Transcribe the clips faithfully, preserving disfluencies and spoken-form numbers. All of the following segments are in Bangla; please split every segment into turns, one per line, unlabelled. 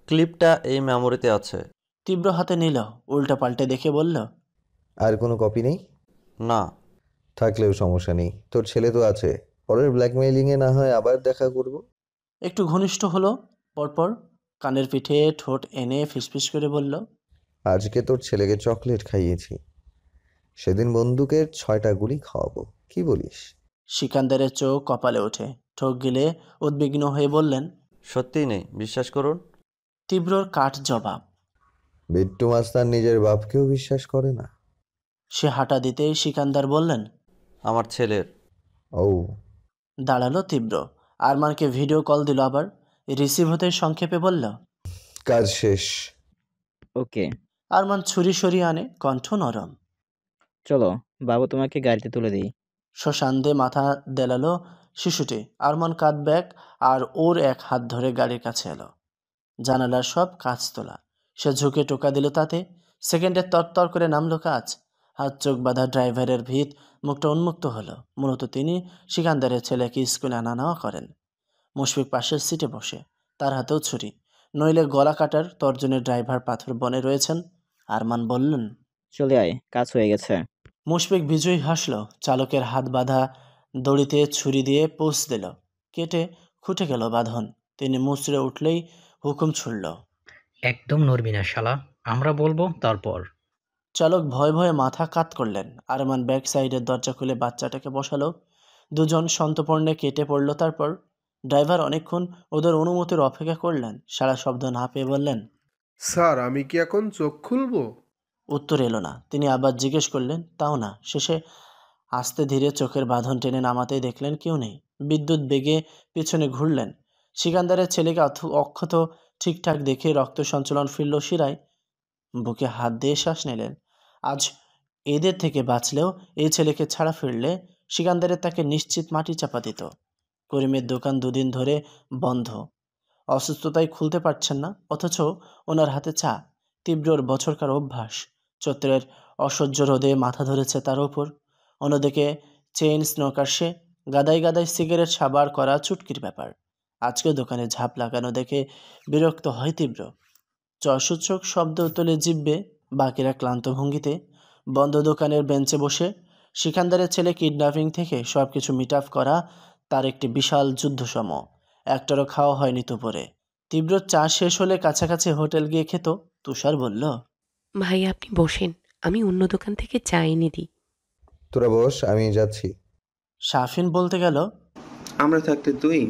ক্লিপটা এই মেমোরিতে আছে।
তীব্র হাতে নিল, উল্টা পাল্টে দেখে বলল,
আর কোনো কপি নেই?
না।
থাকলেও সমস্যা নেই, তোর ছেলে তো আছে, পরের ব্ল্যাকমেইলিংয়ে না হয় আবার দেখা করব।
একটু ঘনিষ্ঠ হলো, পরপর কানের পিঠে ঠোঁট এনে ফিসফিস করে বলল,
আজকে তোর ছেলেকে চকলেট খাইয়েছি, সেদিন বন্দুকের ছয়টা গুলি খাওয়াবো, কি বলিস?
সিকান্দারের চোখ কপালে ওঠে, ঠোক গিলে উদ্বিগ্ন হয়ে বললেন,
সত্যিই নেই, বিশ্বাস করুন।
তীব্রর কাঠ জবাব।
বিট্টু মাস্তার নিজের বাপকেও বিশ্বাস করে না।
সে হাঁটা দিতে সিকান্দার বললেন,
আমার ছেলের।
ও।
দাঁড়ালো তীব্র, আরমানকে ভিডিও কল দিল, আবার রিসিভ হতে সংক্ষেপে বলল,
কাজ শেষ।
ওকে।
আরমান ছুরি সরিয়ে আনে, কণ্ঠ নরম।
চলো বাবু, তোমাকে গাড়িতে তুলে দিই।
শ্মশান্দে মাথা দেলালো শিশুটি। আরমান কাঁধ ব্যাগ আর ওর এক হাত ধরে গাড়ির কাছে এলো। জানালার সব কাঁচ তোলা। সে ঝুঁকে টোকা দিল তাতে। সেকেন্ডে তরতর করে নামলো কাজ। হাত চোখ বাঁধা ড্রাইভারের ভিত, মুখটা উন্মুক্ত হলো। মূলত তিনি সিকান্দারের ছেলেকে স্কুলে আনা নেওয়া করেন। মুশফিক পাশের সিটে বসে, তার হাতেও ছুরি, নইলে গলা কাটার তর্জনের ড্রাইভার পাথর বনে রয়েছেন। আরমান বললেন,
চলে আয়, কাজ হয়ে গেছে।
মুশফিক বিজয়ী হাসল। চালকের হাত বাঁধা দড়িতে ছুরি দিয়ে পোষ দিল। কেটে খুঁটে গেল বাঁধন। তিনি মুচড়ে উঠলেই হুকুম ছুড়ল,
একদম নড়বি না শালা, আমরা বলবো তারপর।
চালক ভয়ে ভয়ে মাথা কাত করলেন। আরমান ব্যাক সাইডের দরজা খুলে বাচ্চাটাকে বসালো। দুজন সন্তপর্ণে কেটে পড়ল। তারপর ড্রাইভার অনেকক্ষণ ওদের অনুমতির অপেক্ষা করলেন। সারা শব্দ না পেয়ে বললেন,
স্যার আমি কি এখন চোখ খুলবো?
উত্তর এলো না। তিনি আবার জিজ্ঞেস করলেন, তাও না। শেষে আস্তে ধীরে চোখের বাঁধন টেনে নামাতেই দেখলেন কেউ নেই। বিদ্যুৎ বেগে পিছনে ঘুরলেন। সিকান্দারের ছেলেকে অক্ষত ঠিকঠাক দেখে রক্ত সঞ্চালন ফিরল শিরায়। বুকে হাত দিয়ে শ্বাস নিলেন। আজ এদের থেকে বাঁচলেও এই ছেলেকে ছাড়া ফিরলে সিকান্দারের তাকে নিশ্চিত মাটি চাপা দিত। করিমের দোকান দুদিন ধরে বন্ধ, অসুস্থতায় খুলতে পারছেন না, অথচ ওনার হাতে চা। তীব্রর বছরকার অভ্যাস। চৈত্রের অসহ্য রোদে মাথা ধরেছে তার ওপর। অন্যদিকে চেইন স্নোকার সে, গাদায় গাদায় সিগারেট সাবার করা চুটকির ব্যাপার। আজকে দোকানে ঝাঁপ লাগানো দেখে বিরক্ত হয় তীব্র। চসূচক শব্দ তোলে জিভে। বাকিরা ক্লান্ত ভঙ্গিতে বন্ধ দোকানের বেঞ্চে বসে। সিকান্দারের ছেলে কিডন্যাপিং থেকে সব কিছু মিট আপ করা তার একটি বিশাল যুদ্ধসম। একটারও খাওয়া হয়নি দুপুরে। তীব্র চা শেষ হলে কাছাকাছি হোটেল গিয়ে খেত। তুষার বলল,
ভাই আপনি বসেন, আমি অন্য দোকান থেকে চা এনে দিই।
তোরা বস, আমি যাচ্ছি।
শাফিন বলতে গেল,
আমরা থাকতে তুই।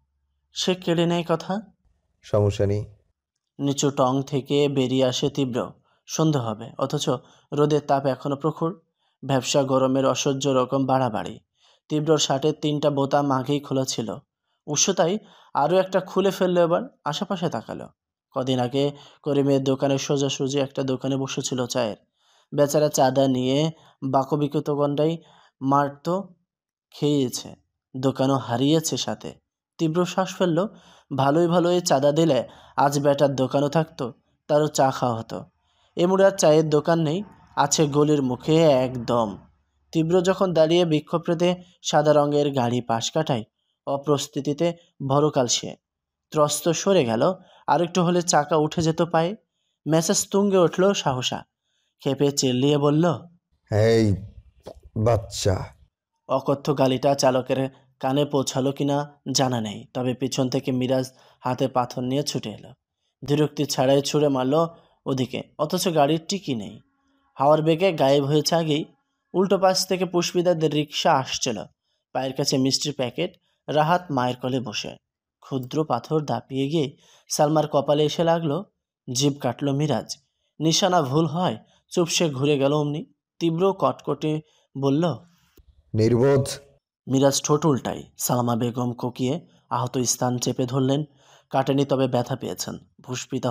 সে কেড়ে নেয় কথা।
সমস্যা নেই।
নিচু টং থেকে বেরিয়ে আসে তীব্র। সন্ধে হবে, অথচ রোদের তাপ এখনো প্রখর। ব্যবসা গরমের অসহ্য রকম বাড়াবাড়ি। তীব্র শার্টের তিনটা বোতাম আগেই খোলা ছিল। উৎসতাই আরও একটা খুলে ফেললো। এবার আশেপাশে তাকালো। কদিন আগে করিমের দোকানের সোজাসুজি একটা দোকানে বসেছিল চায়ের। বেচারা চাঁদা নিয়ে বাকবিকত গন্ডাই মারত, খেয়েছে, দোকানও হারিয়েছে সাথে। তীব্র শ্বাস ফেলল। ভালোই ভালোই চাঁদা দিলে আজ বেটার দোকানও থাকতো, তারও চা খাওয়া হতো। এমুড়ে আর চায়ের দোকান নেই, আছে গলির মুখে একদম। তীব্র যখন দাঁড়িয়ে বিক্ষোভ পেতে সাদা রঙের গাড়ি পাশ কাটায়, অপ্রস্তুতিতে ভরকাল সে ত্রস্ত সরে গেল। আরেকটু হলে চাকা উঠে যেত পায়ে। মেসেজ তুঙ্গে উঠল সাহসা। খেপে চিল্লিয়ে বলল,
এই বাচ্চা।
অকথ্য গালিটা চালকের কানে পৌঁছালো কিনা জানা নেই, তবে পিছন থেকে মিরাজ হাতে পাথর নিয়ে ছুটে এলো। বিরক্তি ছাড়াই ছুঁড়ে মারল ওদিকে, অথচ গাড়ির টিকি নেই। হাওয়ার বেগে গায়েব হয়েছে আগেই। উল্টো পাশ থেকে পুষ্পিদাদের রিক্সা আসছিল। পায়ের কাছে মিষ্টির প্যাকেট, রাহাত মায়ের কোলে বসে। ক্ষুদ্র পাথর দাপিয়ে গিয়ে সালমার কপালে এসে লাগলো। জিভ কাটল মিরাজ। নিশানা ভুল হয়, চুপসে ঘুরে গেল অমনি। তীব্র কটকটে বলল,
নির্বোধ।
মিরাজ ঠোঁট উল্টায়। সালমা বেগম কোকিয়ে আহত স্থান চেপে ধরলেন। কাটেনি, তবে ব্যথা পেয়েছেন। পুষ্পিতা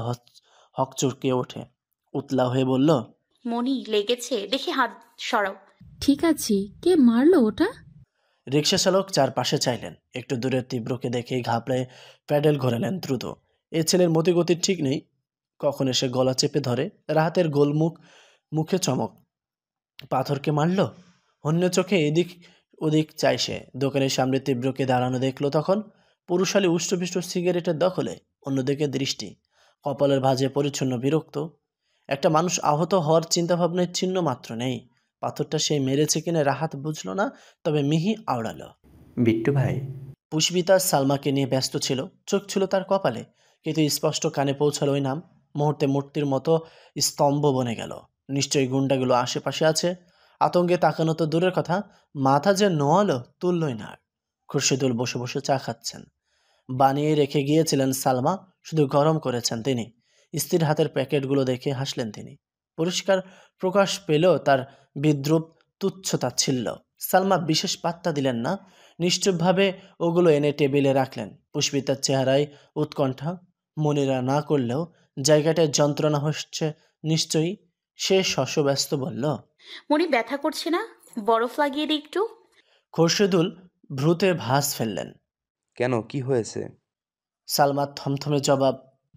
হক চুরকিয়ে ওঠে, উতলা হয়ে বলল,
মনি লেগেছে, দেখি হাত সরাও।
ঠিক আছে, কে মারলো ওটা?
রিক্সা চালক চারপাশে চাইলেন। একটু দূরে তীব্রকে দেখেই ঘাবড়ে প্যাডেল ঘোরালেন দ্রুত। এ ছেলের মতিগতির ঠিক নেই, কখন এসে গলা চেপে ধরে। রাহাতের গোলমুখ, মুখে চমক। পাথরকে মারল? অন্য চোখে এদিক ওদিক চাই সে। দোকানের সামনে তীব্রকে দাঁড়ানো দেখলো তখন। পুরুষালী উষ্টপিষ্ট সিগারেটের দখলে, অন্যদিকে দৃষ্টি। কপালের ভাঁজে পরিচ্ছন্ন বিরক্ত। একটা মানুষ আহত হওয়ার চিন্তাভাবনার চিহ্ন মাত্র নেই। পাথরটা সে মেরেছে কিনা রাহাত বুঝল না, তবে মিহি আওড়ালো।
বিট্টু ভাই।
পুষ্পিতা সালমাকে নিয়ে ব্যস্ত ছিল, চোখ ছিল তার কপালে, কিন্তু স্পষ্ট কানে পৌঁছালো ওই নাম। মুহূর্তে মূর্তির মতো স্তম্ভ বনে গেল। নিশ্চয়ই গুন্ডাগুলো আশেপাশে আছে। আতঙ্কে তাকানো তো দূরের কথা, মাথা যে নোয়ালো তুললই না। খুরশিদুল বসে বসে চা খাচ্ছেন। বানিয়ে রেখে গিয়েছিলেন সালমা, শুধু গরম করেছেন তিনি। স্ত্রীর হাতের প্যাকেটগুলো দেখে হাসলেন তিনি। পরিষ্কার প্রকাশ পেল তার বিদ্রুপ, তুচ্ছতাচ্ছিল্য। সালমা বিশেষ পাত্তা দিলেন না, নিশ্চুপভাবে ওগুলো এনে টেবিলে রাখলেন। পুষ্পিতার চেহারায় উৎকণ্ঠা। মনিরা না করলেও জায়গাটায় যন্ত্রণা হচ্ছে নিশ্চয়ই। সে শশব্যস্ত বলল,
মনি ব্যথা করছে না? বরফ লাগিয়ে দিই একটু।
খোরশেদুল ভ্রুতে ভাঁজ ফেললেন।
কেন, কি হয়েছে?
সালমা থমথমে জবাব,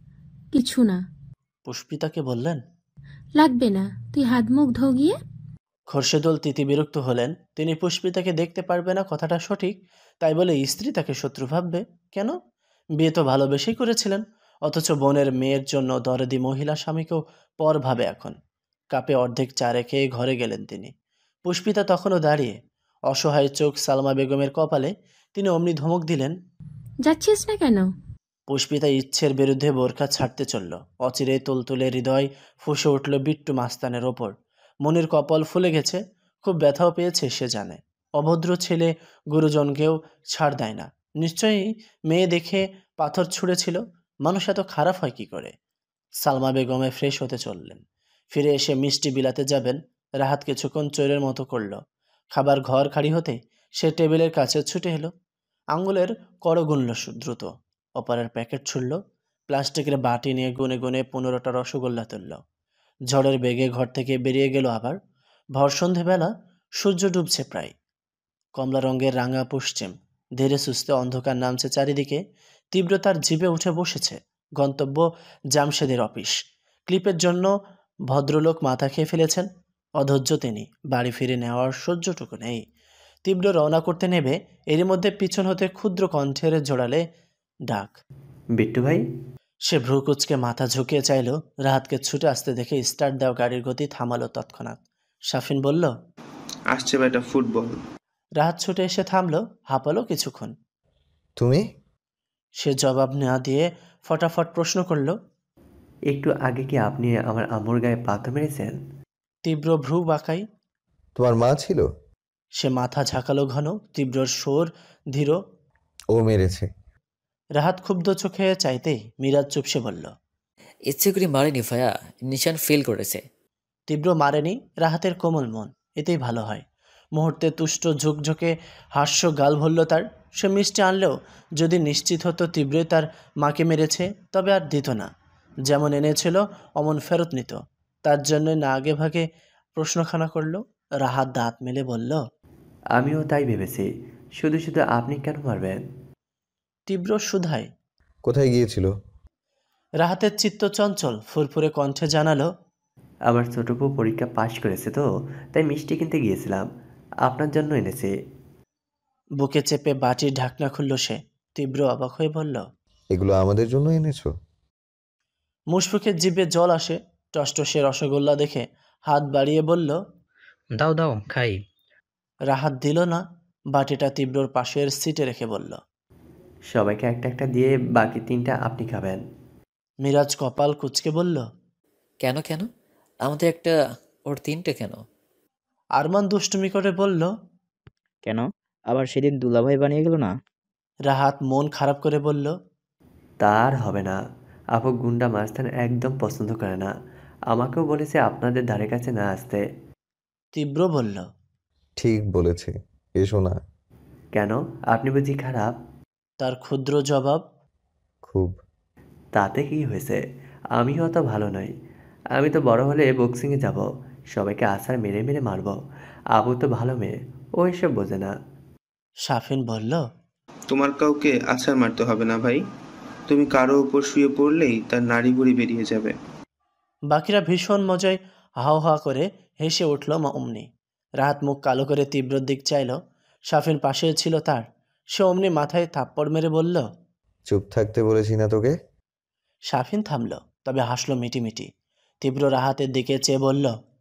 কিছু না।
পুষ্পিতাকে বললেন,
লাগবে না, তুই হাত মুখ ধো গিয়ে।
খোরশেদুল তিতি বিরক্ত হলেন। তিনি পুষ্পিতাকে দেখতে পারবে না কথাটা সঠিক, তাই বলে স্ত্রী তাকে শত্রু ভাববে কেন? বিয়ে তো ভালোবেসেই করেছিলেন, অথচ বোনের মেয়ের জন্য দরদি মহিলা স্বামীকেও পর ভাবে এখন। কাপে অর্ধেক চা রেখে ঘরে গেলেন তিনি। পুষ্পিতা তখনও দাঁড়িয়ে, অসহায় চোখ সালমা বেগমের কপালে। তিনি অমনি ধমক দিলেন,
যাচ্ছিস না কেন?
পুষ্পিতা ইচ্ছের বিরুদ্ধে বোরখা ছাড়তে চলল। অচিরে তুলতুলে হৃদয় ফুঁসে উঠল বিট্টু মাস্তানের ওপর। মনির কপাল ফুলে গেছে, খুব ব্যথাও পেয়েছে সে জানে। অভদ্র ছেলে গুরুজনকেও ছাড় দেয় না। নিশ্চয়ই মেয়ে দেখে পাথর ছুঁড়েছিল। মানুষ এত খারাপ হয় কি করে? সালমা বেগমে ফ্রেশ হতে চললেন। ফিরে এসে মিষ্টি বিলাতে যাবেন। রাহাত কিছুক্ষণ চোরের মতো করল। খাবার ঘর খালি হতে সে টেবিলের কাছে ছুটে এলো। আঙ্গুলের কড় গুনল দ্রুত। অপারের প্যাকেট ছুড়ল। প্লাস্টিকের বাটি নিয়ে গুনে গুনে পনেরোটা রসগোল্লা তুলল। ঝড়ের বেগে ঘর থেকে বেরিয়ে গেল আবার। ভর সন্ধেবেলা, সূর্য ডুবছে প্রায়। কমলা রঙের রাঙা পশ্চিম, ধীরে সুস্থে অন্ধকার নামছে চারিদিকে। তীব্রতার জিভে উঠে বসেছে। গন্তব্য জামশেদের অফিস। ক্লিপের জন্য ভদ্রলোক মাথা খেয়ে ফেলেছেন। অধৈর্য তিনি, বাড়ি ফিরে নেওয়ার সহ্যটুকু নেই। তীব্র রওনা করতে নেবে, এরই মধ্যে পিছন হতে ক্ষুদ্র কণ্ঠের জোড়ালে ডাক,
বিট্টু ভাই।
সে ভ্রু কুচকে মাথা ঝুঁকিয়ে চাইল। রাহাতকে ছুটে আসতে দেখে স্টার্ট দেওয়া গাড়ির গতি থামালো তৎক্ষণাৎ। শাফিন বলল,
আসছে বেটা ফুটবল।
রাহাত ছুটে এসে থামলো, হাঁপালো কিছুক্ষণ।
তুমি?
সে জবাব না দিয়ে ফটাফট প্রশ্ন করল,
একটু আগে কি আপনি আমার আম্মুর গায়ে পাথর মেরেছেন?
তীব্র ভ্রু বাঁকাই।
তোমার মা ছিল?
সে মাথা ঝাঁকালো ঘন। তীব্রর সুর ধীর।
ও মেরেছে।
রাহাত ক্ষুব্ধ চোখে চাইতেই মিরাজ চুপসে বলল,
ইচ্ছে করে মারেনি ভাইয়া, নিশান ফেল করেছে।
তীব্র মারেনি। রাহাতের কোমল মন, এতেই ভালো হয়। মুহূর্তে তুষ্ট ঝুঁকঝুঁকে হাস্য গাল ভরল তার। সে মিষ্টি আনলেও যদি নিশ্চিত হতো তীব্রই তার মাকে মেরেছে, তবে আর দিত না। যেমন এনেছিল অমন ফেরত নিত। তার জন্য না আগে ভাগে প্রশ্নখানা করল। রাহাত দাঁত মেলে বলল,
আমিও তাই ভেবেছি, শুধু শুধু আপনি কেন মারবেন?
তীব্র সুধায়।
কোথায় গিয়েছিল?
রাহাতের চিত্ত চঞ্চল, ফুরফুরে কণ্ঠে জানালো,
আমার ছোট বউ পরীক্ষা পাশ করেছে তো, তাই মিষ্টি কিনতে গিয়েছিলাম, আপনার জন্য এনেছি।
বুকে চেপে বাটির ঢাকনা খুলল সে। তীব্র অবাক হয়ে বলল,
এগুলো আমাদের জন্য এনেছো?
মুশফিকের জিভে জল আসে। টসটসে রসগোল্লা দেখে হাত বাড়িয়ে বলল,
দাও দাও খাই।
রাহাত দিল না। বাটিটা তীব্রর পাশের সিটে রেখে বলল,
সবাইকে একটা একটা দিয়ে বাকি তিনটা আপনি খাবেন।
মিরাজ কপাল কুঁচকে বলল,
কেন কেন আমাদের একটা, ওর তিনটে কেন?
আরমান দুষ্টুমি করে বলল,
কেন? আবার সেদিন দুলাভাই বানিয়ে গেল না?
রাহাত মন খারাপ করে বলল,
তার হবে না, আপু গুন্ডা মাস্তান একদম পছন্দ করে না, আমাকেও বলেছে আপনাদের ধারে কাছে না আসতে।
তীব্র বলল,
ঠিক বলেছে, এসো না।
কেন, আপনি বুঝি খারাপ?
তার ক্ষুদ্র জবাব,
খুব।
তাতে কি হয়েছে, আমিও অত ভালো নই। আমি তো বড় হলে বক্সিংয়ে যাব, সবাইকে আছাড় মেরে মেরে মারব। আবু তো ভালো মেয়ে, ও এসব বোঝে না।
শাফিন বলল,
তোমার কাউকে আছাড় মারতে হবে না ভাই, তুমি কারো উপর শুয়ে পড়লেই তার নাড়ি ভুড়ি বেরিয়ে যাবে।
বাকিরা ভীষণ মজায় হাও হা করে হেসে উঠল অমনি। রাহাত মুখ কালো করে তীব্রর দিক চাইল। শাফিন পাশে ছিল তার। সে অমনি মাথায় থাপ্পড় মেরে বলল,
চুপ থাকতে বলেছি না তোকে?
শাফিন থামল। তবে হাসলো মিটিমিটি। তীব্র রাহাতের দিকে চেয়ে বলল,